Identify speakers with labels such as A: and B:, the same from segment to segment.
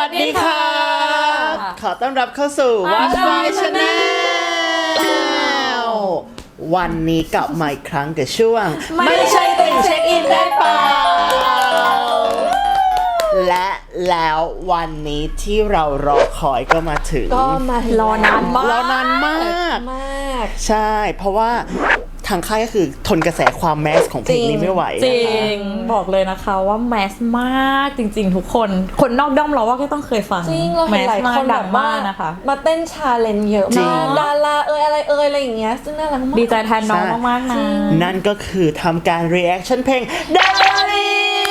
A: ดีค่ะขอต้อนรับเข้าสู่ Watch My Channel วันนี้กลับมาอีกครั้งกับช่วงไม่ใช่ติ่งเช็คอินได้เปล่าและแล้ววันนี้ที่เรารอคอยก็มาถึง
B: รอนานมาก
A: ใช่เพราะว่าทางค่ายก็คือทนกระแสความแมสของเพลงนี้ไม่ไหว
B: จริงบอกเลยนะคะว่าแมสมากจริงๆทุกคนนอกด้อมเราว่าก็ต้องเคยฟัง
C: จริงเราเห็นหลายคนแบบว่า
B: นะคะ
C: มาเต้นชาเลนจ์เยอะมากดาราอะไรอย่างเงี้ยซึ่งน่ารักมาก
B: ดีใจแทนน้องมากๆนะ
A: นั่นก็คือทำการ reaction เพลงดารา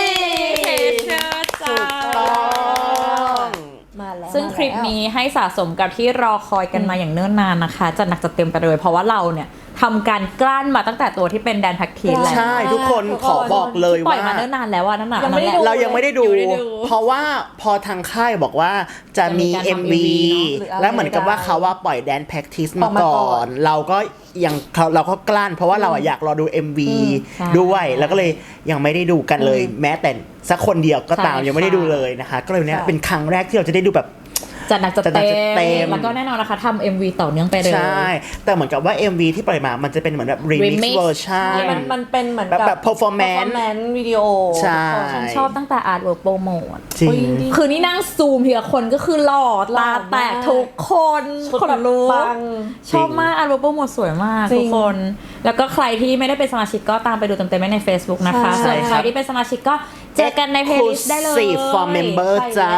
B: ซึ่งคลิปนี้ให้สะสมกับที่รอคอยกันมาอย่างเนิ่นนานนะคะจะหนักจะเต็มไปเลยเพราะว่าเราเนี่ยทำการกลั้นมาตั้งแต่ตัวที่เป็นแดนแพ็กทีแล้ว
A: ใช่ทุกคนขอบอกเลยว่า
B: ปล่อยมาเนิ่นนานแล้วว่านั่นแหละ
A: เรายังไม่ได้ดูเพราะว่าพอทางค่ายบอกว่าจะมี MV แล้วเหมือนกับว่าเขาว่าปล่อยแดนแพ็กทีมาก่อนเราก็กลั้นเพราะว่าเราอยากรอดู MV ด้วยแล้วก็เลยยังไม่ได้ดูกันเลยแม้แต่สักคนเดียวก็ตามยังไม่ได้ดูเลยนะคะก็เลยเนี่ยเป็นครั้งแรกที่เราจะได้ดูแบบ
B: จะหนักจะเต็มแล้วก็แน่นอนนะคะทำ MV ต่อเนื่องไปเลย
A: ใช่แต่เหมือนกับว่า MV ที่ปล่อยมามันจะเป็นเหมือนแบบ remix version
C: มันเป็นเหมือน
A: แบบ performance
C: วิดีโอ
A: ใช่
B: ฉันชอบตั้งแต่ artwork promote
A: จริง
B: คือนี่นั่งซูมทีละคนก็คือหล่อตาแตกทุกคนคนรู้ชอบมาก artwork promote สวยมากทุกคนแล้วก็ใครที่ไม่ได้เป็นสมาชิกก็ตามไปดูเต็มๆใน Facebook นะคะส่วนใครที่เป็นสมาชิกก็เจอกันใน playlist ได้เลย
A: for member จ้า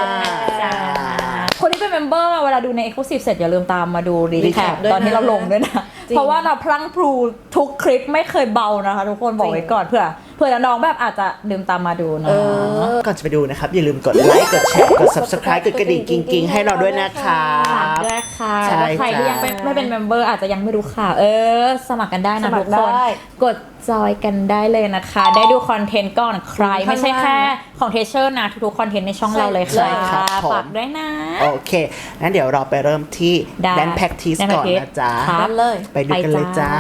B: คนที่เป็นเมมเบอร์เวลาดูใน Exclusive เสร็จอย่าลืมตามมาดูรีแคปตอนที่เราลงด้วยนะเพราะว่าเราพลั้งพลูทุกคลิปไม่เคยเบานะคะทุกคนบอกไว้ก่อนเผื่อน้องแบบอาจจะลืมตามมาดูนะ
A: ก่อนจะไปดูนะครับอย่าลืมกดไลค์กดแชร์กด Subscribe กดกระดิ่งกิ๊งๆให้เราด้วยนะคะ
B: ด้วยค่ะแล้วใครที่ยังไม่เป็นเมมเบอร์อาจจะยังไม่รู้ข่าวสมัครกันได้นะทุกคนกดจอยกันได้เลยนะคะได้ดูคอนเทนต์ก่อนใครไม่ใช่แค่ของเทเชอร์นะทุกๆคอนเทนต์ในช่องเราเลยค่ะฝากด้วยนะ
A: โอเคงั้นเดี๋ยวเราไปเริ่มที่แดนแพ็กทีสก่อนนะจ๊ะไปดูกันเลยจ้า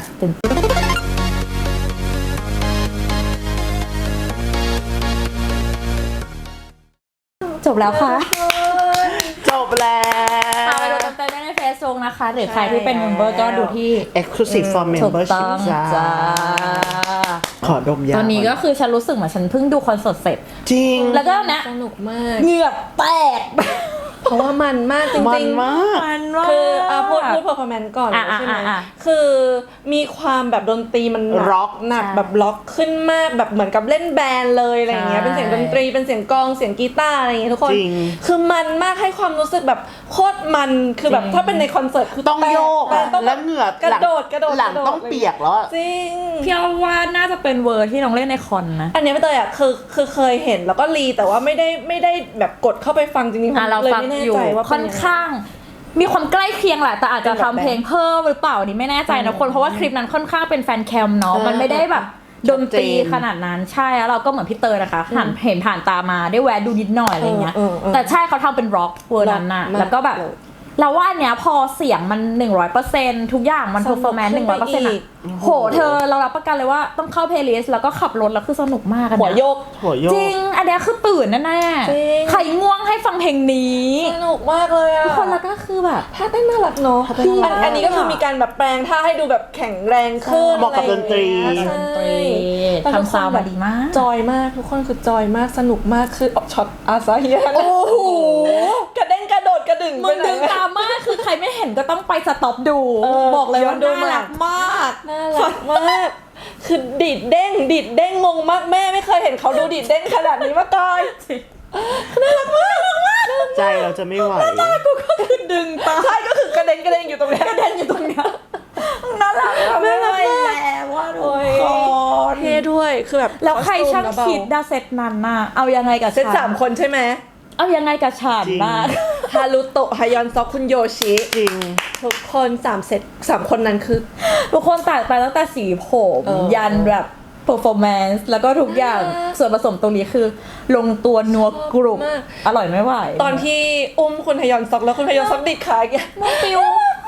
B: จบแล้วค่ะ
A: จบแล้ว
B: ไปดูเต็มๆได้ใน Facebook นะคะหรือใครที่เป็นเมมเบอร์ก็ดูที่
A: Exclusive for Membership จ้าขอดมยา
B: ตอนนี้ก็คือฉันรู้สึกเหมือนฉันเพิ่งดูคอนเสิร์ตเสร็จ
A: จริง
B: แล้วก็นะ
C: สนุกมาก
B: เหงื่อแตก
C: เพราะว่ามันมากจริงๆ
A: มันมาก
C: คือพูด performance ก่อนใช่ไหมคือมีความแบบดนตรีมันร็อกหนักแบบล็อกขึ้นมากแบบเหมือนกับเล่นแบนด์เลยอะไรอย่างเงี้ยเป็นเสียงดนตรีเป็นเสียงกลองเสียงกีตาร์อะไรอย่างเงี้ยทุกคนคือมันมากให้ความรู้สึกแบบโคตรมันคือแบบถ้าเป็นในคอนเสิร์ตคือ
A: ต้องโยกแล้วเหงื่อก
C: ระโดด
A: หลังต้องเปียกแล้ว
C: จริง
B: พี่ว่าน่าจะเป็นเวอร์ที่น้องเล่นในคอนนะ
C: อันนี้ไม่เตยคือเคยเห็นแล้วก็รีแต่ว่าไม่ได้แบบกดเข้าไปฟังจริงๆ
B: เราฟังอยู่ค่อนข้างมีความใกล้เคียงแหละแต่อาจจะทำเพลงเพิ่มหรือเปล่านี่ไม่แน่ใจนะคนเพราะว่าคลิปนั้นค่อนข้างเป็นแฟนแคมเนาะมันไม่ได้แบบดนตรีขนาดนั้นใช่แล้วเราก็เหมือนพี่เตยนะคะเห็นผ่านตามาได้แวะดูนิดหน่อยอะไรเงี้ยแต่ใช่เขาทำเป็นร็อกเวอร์นั้นน่ะแล้วก็แบบเราว่าเนี้ยพอเสียงมัน 100% ทุกอย่างมันเพอร์ฟอร์แมนซ์ 100% อ่ะโหเธอเรารับประกันเลยว่าต้องเข้าเพลย์ลิสต์แล้วก็ขับรถแล้วคือสนุกมากกันนะ
C: หัวโยก
B: จริงอันนี้คือตื่นแน่ๆใครง่วงให้ฟังเพลงนี้
C: สนุกมากเลยอ่ะ
B: ทุกคนแล้วก็คือแบบ
C: ท่าเต้นน่ารักเนาะอันนี้ก็คือมีการแบบแปลงท่าให้ดูแบบแข็งแรงขึ้น
A: เหมาะกับดนตรี
B: ทำซาวด์มาดีมาก
C: จอยมากทุกคนคือจอยมากสนุกมากคือช็อตอาซาฮิโอ้โหกระเด้งกระโดดกระดึง
B: มึงดึงตามมากคือใครไม่เห็นก็ต้องไปสต็อปดูบอกเลยว่าน่ารักมาก
C: น่ารักมากคือดิดเด้งงงมากแม่ไม่เคยเห็นเขาดูดิดเด้งขนาดนี้มาก่อนน่ารักมาก
A: ใจเราจะไม่ไหว
B: ตากูก็คือดึงตา
C: ใช่ก็คือกระเด็นอยู่ตรงนี้
B: กระเด็นอยู่ตรงนี้น่ารักไม่ไหวแล้วว่าทุกคน
C: เท่ด้วยคือแบบ
B: แล้วใครช่างคิดดาเซตนั้นน่ะเอายังไงกับ
C: เซต3คนใช่ไหม
B: เอายังไงกับฉันบ้าง
C: ฮารุโตะฮายอนซอกคุณโยชิ
A: จริง
C: ทุกคน3เซต3คนนั้นคือ
B: ทุกคนตัดไปตั้งแต่สีผมยันแบบ performance แล้วก็ทุกอย่างส่วนผสมตรงนี้คือลงตัวนัวกรุบอร่อยไม่ไหว
C: ตอนที่อุ้มคุณฮยอนซอกแล้วคุณฮยอนซอกดิดขาแก
B: น้องปิว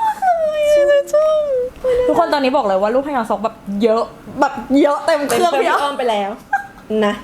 B: ทุกคนตอนนี้บอกเลยว่าลูกฮยอนซอกแบบเยอะเต็มเครื่อง
C: พี่อ้อมไปแล้วนะ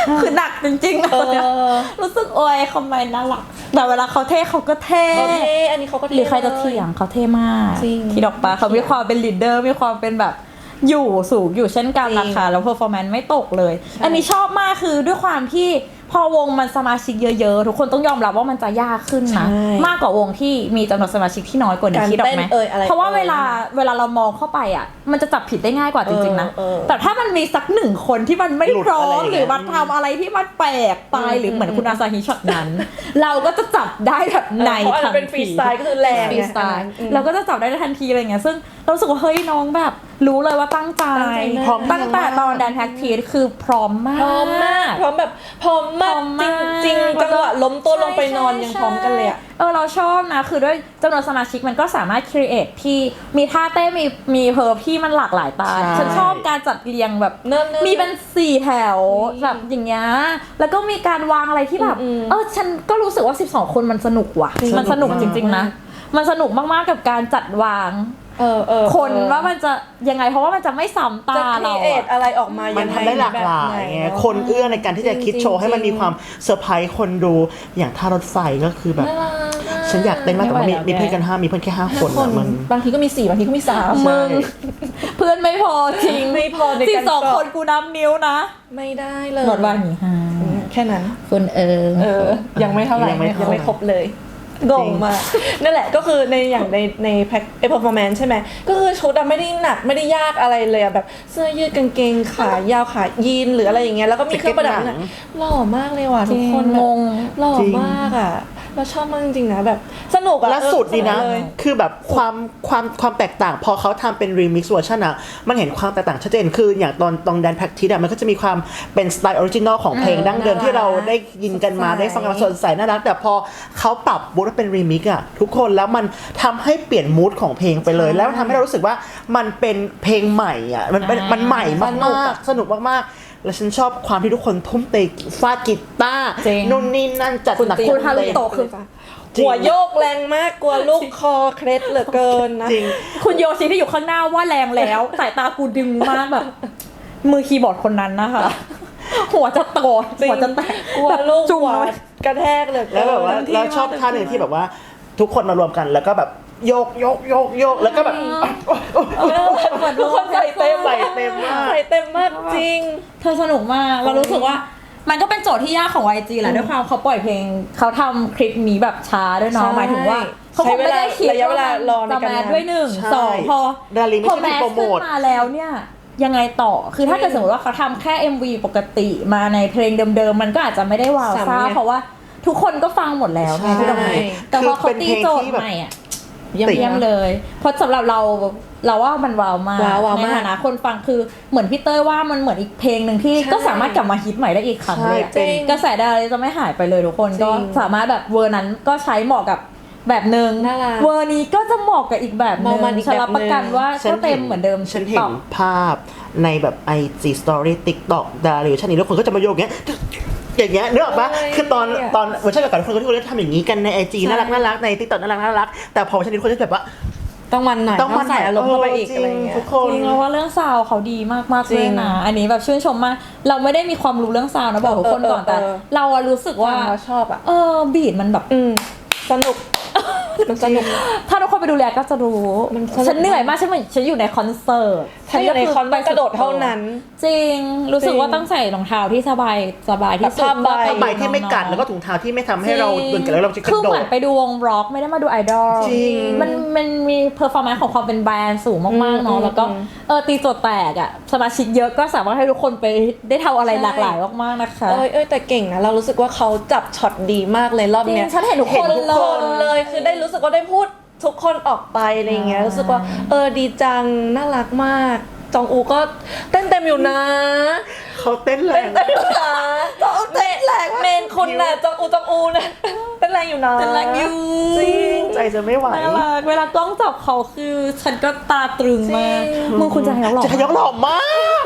B: คือหนักจริงๆรู้สึกโอ้ยคอมเมนต์น่ารักแต่เวลาเขาเท่เขาก็เท่
C: อันนี้เขาก็เท่
B: หรือใครจะเถียงเขาเท่มาก
C: จริง
B: ที่ดอกปลาเขามีความเป็นลีดเดอร์มีความเป็นแบบอยู่สูงอยู่เช่นกันนะคะแล้วเพอร์ฟอร์แมนซ์ไม่ตกเลย อันนี้ชอบมากคือด้วยความที่พอวงมันสมาชิกเยอะๆทุกคนต้องยอมรับว่ามันจะยากขึ้นนะมากกว่าวงที่มีจำนวนสมาชิกที่น้อยกว่านี้คิดออกไหมเพราะว่าเวลาเรามองเข้าไปอ่ะมันจะจับผิดได้ง่ายกว่าจริงๆนะแต่ถ้ามันมีสักหนึ่งคนที่มันไม่พร้อมหรือมันทำอะไรที่มันแปลกไปหรือเหมือนคุณอาซาฮิช็อตนั้น เราก็จะจับได้แบบในทันที
C: เป็นฟรีสไตล์ก็คือแรง
B: ฟรีสไตล์เราก็จะจับได้ทันทีอะไรเงี้ยซึ่งเรารู้สึกว่าเฮ้ยน้องแบบรู้เลยว่าตั้งใจพร้อมตั้งแต่ตอนแดนแพ็กทีคือพร้อมมาก
C: พร้อมแบบพร้อมมากจริงจังหวะล้มตัวลงไปนอนยังพร้อมกันเลยอะ
B: เราชอบนะคือด้วยจำนวนสมาชิกมันก็สามารถครีเอทที่มีท่าเต้นมีเพอร์ที่มันหลากหลายตาฉันชอบการจัดเรียงแบบมีเป็น4แถวแบบอย่างเงี้ยแล้วก็มีการวางอะไรที่แบบฉันก็รู้สึกว่า12คนมันสนุกว่ะมันสนุกจริงๆนะมันสนุกมากๆกับการจัดวางคนว่ามันจะยังไงเพราะว่ามันจะไม่ซ้ำตาเรา
C: อะไรออกมา
A: มันทำได้หลากหลายคนเอื้อในการที่จะคิดโชว์ให้มันมีความเซอร์ไพรส์คนดูอย่างท่ารถไฟก็คือแบบฉันอยากเต้นมากแต่ว่ามีเพื่อนกัน5มีเพื่อนแค่5คนมัน
C: บางทีก็มี4บางทีก็มี3
B: มึงเพื่อนไม่พอจริง
C: ไม่พอในการ
B: 12คนกูนับนิ้วนะ
C: ไม่ได้เลย
B: หมดวันนี้
C: แค่นั้น
B: คุณ
C: ยังไม่เท่าไหร่ยังไม่ครบเลยงงมากนั่นแหละก็คือในแพ็คperformance ใช่ไหมก็คือชุดไม่ได้หนักไม่ได้ยากอะไรเลยแบบเสื้อยืดกางเกงขายาวขายีนหรืออะไรอย่างเงี้ยแล้วก็มีเครื่องประดับหล่อมากเลยว่ะทุกคนงงหล่อมากอ่ะเราชอบมากจริงๆนะแบบสนุกอ่ะ
A: และสุดดีนะคือแบบความแตกต่างพอเขาทำเป็นรีมิกซ์เวอร์ชันอ่ะมันเห็นความแตกต่างชัดเจนคืออย่างตอนแดนแพ็กทีมันก็จะมีความเป็นสไตล์ออริจินอลของเพลงดั้งเดิมที่เราได้ยินกันมาได้ฟังกันสดใสน่ารักแต่พอเขาปรับบูทเป็นรีมิกซ์อ่ะทุกคนแล้วมันทำให้เปลี่ยนมูดของเพลงไปเลยแล้วทำให้เรารู้สึกว่ามันเป็นเพลงใหม่อ่ะมันใหม่มากๆสนุกมากๆแล้วฉันชอบความที่ทุกคนทุ่มเทฟาดกีตาร์นู่นนี่นั่นจัดหนัก
B: คุณฮารุโตะคือ
C: หัวโยกแรงมากกลัวลูกคอเคล็ดเหลือเกินนะ
B: คุณโยชิที่อยู่ข้างหน้าว่าแรงแล้วสายตากูดึงมากแบบมือคีย์บอร์ดคนนั้นนะคะหัวจะโตหัวจะแตก
C: กลัวลูกหัวกระแทกเลย
A: แล้วแบบว่าแล้วชอบท่าหนึ่งที่แบบว่าทุกคนมารวมกันแล้วก็แบบโยกแล้วก็แบบ
C: ทุกคนใส่เต็มมากใส่เต็มมากจริง
B: เธอสนุกมากเรารู้สึกว่ามันก็เป็นโจทย์ที่ยากของ YG แหละด้วยความเขาปล่อยเพลงเขาทำคลิปนี้แบบช้าด้วยเนาะหมายถึงว่าเขาคงไม่ได้คิดว่าจะแมสด้วย1 2พอแมสขึ้นมาแล้วเนี่ยยังไงต่อคือถ้าเกิดสมมติว่าเขาทำแค่ MV ปกติมาในเพลงเดิมๆมันก็อาจจะไม่ได้ว้าวซ่าเพราะว่าทุกคนก็ฟังหมดแล้วไงที่ตรงนี้แต่พอเขาตีโจทย์ใหม่อ่ะเยี่ยมเลยเพราะสำหรับเราว่ามันว้าวมากในฐานะคนฟังคือเหมือนพี่เต้ยว่ามันเหมือนอีกเพลงหนึ่งที่ก็สามารถกลับมาฮิตใหม่ได้อีกครั้งเลยกระแสดาราจะไม่หายไปเลยทุกคนก็สามารถแบบเวอร์นั้นก็ใช้เหมาะกับแบบนึงเวอร์นี้ก็จะเหมาะกับอีกแบบนึงฉันรับประกันว่าก็เต็มเหมือนเดิม
A: ฉันเห็นภาพในแบบ IG Story TikTok ดาราชั้นนี้แล้วคนก็จะมาโยกอย่างเงี้ยนึกออกปะคือตอนเวอร์ชันก่อนคนที่ทำอย่างนี้กันใน IG น่ารักใน TikTok น่ารักแต่พอเวอร์ชันนี้คนจะแบบว่า
C: ต้องมันหน่อยต้องใส่อารมณ์เข้าไปอีกอะไรเงี้ย
A: ทุกคน
B: จริงๆว่าเรื่องซาวเขาดีมากๆเลยนะอันนี้แบบชื่นชมมากเราไม่ได้มีความรู้เรื่องซาวนะบอกทุกคนก่อนแต่เรารู้สึกว่า
C: ชอบ
B: บีทมันแบบ
C: สนุกมันสนุก
B: ถ้าทุกคนไปดูแลก็จะรู้ฉันเหนื่อยมากฉันอยู่ในคอนเสิร์ต
C: ฉันอยู่ในคอนเสิร์ตกระโดดเท่านั้น
B: จริงรู้สึกว่าต้องใส่รองเท้าที่สบายที่สุด
A: ผ้าใบที่ไม่กัดแล้วก็ถุงเท้าที่ไม่ทำให้เราเดินกันแล้วเราจะกระโดด
B: คือเหมือนไปดูวงร็อกไม่ได้มาดูไอดอลมันมีเพอร์ฟอร์แมนซ์ของความเป็นแบรนด์สูงมากๆเนาะแล้วก็ตีโจทย์แตกอ่ะสมาชิกเยอะก็สามารถให้ทุกคนไปได้ทำอะไรหลากหลายมากๆนะคะ
C: แต่เก่งนะเรารู้สึกว่าเขาจับช็อตดีมากเลยรอบเนี้ย
B: ฉันเห็นทุกคน
C: เลยคือได้รู้สึกว่าได้พูดทุกคนออกไปอะไรเงี้ยรู้สึกว่าดีจังน่ารักมากจองอูก็เต้นเต็มอยู่นะ
A: เขาเต้นแรง
C: เต้นอยู่นะจองอูเต้นแรงเมนคุณน่ะจองอูนะเต้นแรงอยู่นะ
B: เต้นแรงอยู่
A: จริงใจจะไม่ไหว
B: เวลากล้องจับเขาคือฉันก็ตาตรึงมากมึงคุณจะห
A: ล่อมาก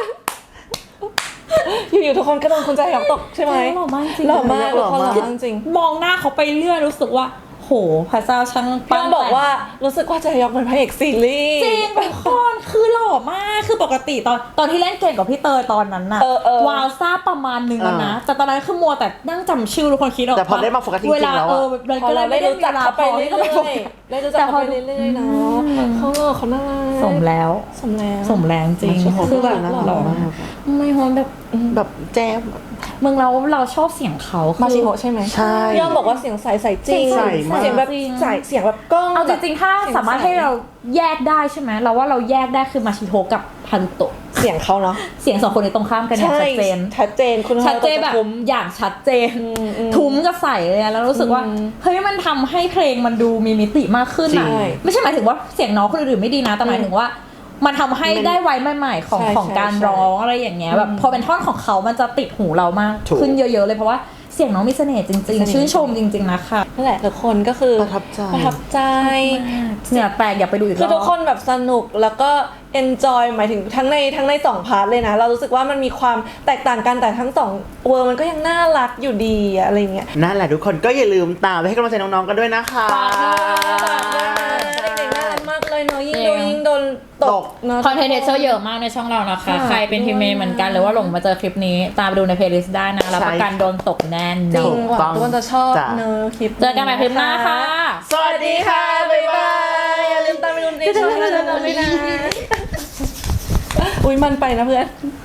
C: อยู่ๆทุกคนก็โดนคุณใจหยอกตกใช่ไหม
B: หล่อมากจริง
C: หล่อมากจริง
B: มองหน้าเขาไปเรื่อยรู้สึกว่าโหพระเจ้าช่าง
C: พี่ต้องบอกว่ารู้สึกว่าจะยกเป็นพระเอกซีรีส์
B: จริงเป็นคนคือหล่อมากคือปกติตอนที่เล่นเกมกับพี่เตยตอนนั้นน่ะวาวซ่าประมาณนึงแล้วนะแต่ตอนนั้นคือมัวแต่นั่งจำชื่อทุกคนคิดออก
A: แต่พอได้มาโฟกัสจริงๆ
B: เวลา
A: แล้ว
B: มัน
C: พอ
B: ก็เล
C: เรา
B: ย
C: ได้
B: ไม่ได้
C: รู้จักเขาไปเรื่อย
B: ๆ
C: ๆได้รู้จักเขาไปเรื่อยๆเนาะเขาน่ารัก
B: สมแล้ว
C: สมแล้ว
B: สมแรงจริง
A: มาชิโฮ
B: คือแบบ
A: น่ารัก
B: หล่อ
A: มาก
B: ไม่ฮอนแบบ
A: แบบแจ๊บ
B: มึงเราชอบเสียงเขาคือ
C: มาชิโฮใช่ไหม
A: ใช่
C: พี่อ้อมบอกว่าเสียงใสจริง
A: ใสมาก
C: เสียงแบบใสเสียงแบบกล้อง
B: เอาจริงๆถ้าสามารถให้เราแยกได้ใช่ไหมเราว่าเราแยกได้คือมาชิโฮกับฮารุโตะ
C: เสียงเขาเนาะ
B: เสียงสองคนนี้ตรงข้ามกันอย่างชัดเจน
C: ชัดเจนคุณ
B: ชัดเจนแบบอย่างชัดเจน ทุ้มกับใส่เลยอะแล้วรู้สึกว่าเฮ้ยมันทำให้เพลงมันดูมีมิติมากขึ้นอะ
A: จริง
B: ไม่ใช่หมายถึงว่าเสียงน้องคนอื่นไม่ดีนะแต่หมายถึงว่ามันทำให้ได้ไว้ใหม่ๆของการร้องอะไรอย่างเงี้ยแบบพอเป็นท่อนของเขามันจะติดหูเรามากขึ้นเยอะๆเลยเพราะว่าเสียงน้องมีเสน่ห์จริงๆชื่นชมจริงๆนะคะ
C: นั่นแหละทุกคนก็คือ
A: ประทับใจ
C: ประทับใจ
B: เหงื่อแตกอยากไปดูอีกร
C: คือ
B: อบ
C: ทุกคนแบบสนุกแล้วก็ enjoy หมายถึงทั้งใน2พาร์ทเลยนะเรารู้สึกว่ามันมีความแตกต่างกันแต่ทั้ง2เวอร์มันก็ยังน่ารักอยู่ดีอะไรเงี้ย
A: นั่นแหละทุกคนก็อย่าลืมตามไปให้กำลังใจน้องๆกันด้วยนะคะ
C: ฝากด้วยนะเด็กๆน่ารักมากเลยเนาะยิ่งดูยิ่งโดนตกเนาะ
B: คอนเทนต์เชอร์เยอะมากในช่องเรานะคะ
C: ค่ะ
B: ใครเป็นทีมเมย์เหมือนกันหรือว่าหลงมาเจอคลิปนี้ตามไปดูในเพลย์ลิสต์ได้นะรับประกันโดนตกแน่น
C: จริ
B: อง น
C: หวังทุกคนจะชอบ
A: จ้ะ
C: เนอะคลิป
B: เจอกันใหม่คลิปหน้าค่ะ
A: สวัสดีค่ะ บ๊ายบาย
C: อย่าลืมตามไปดูในช่องเราด้วยนะอุ้ยมันไปนะเพื่อน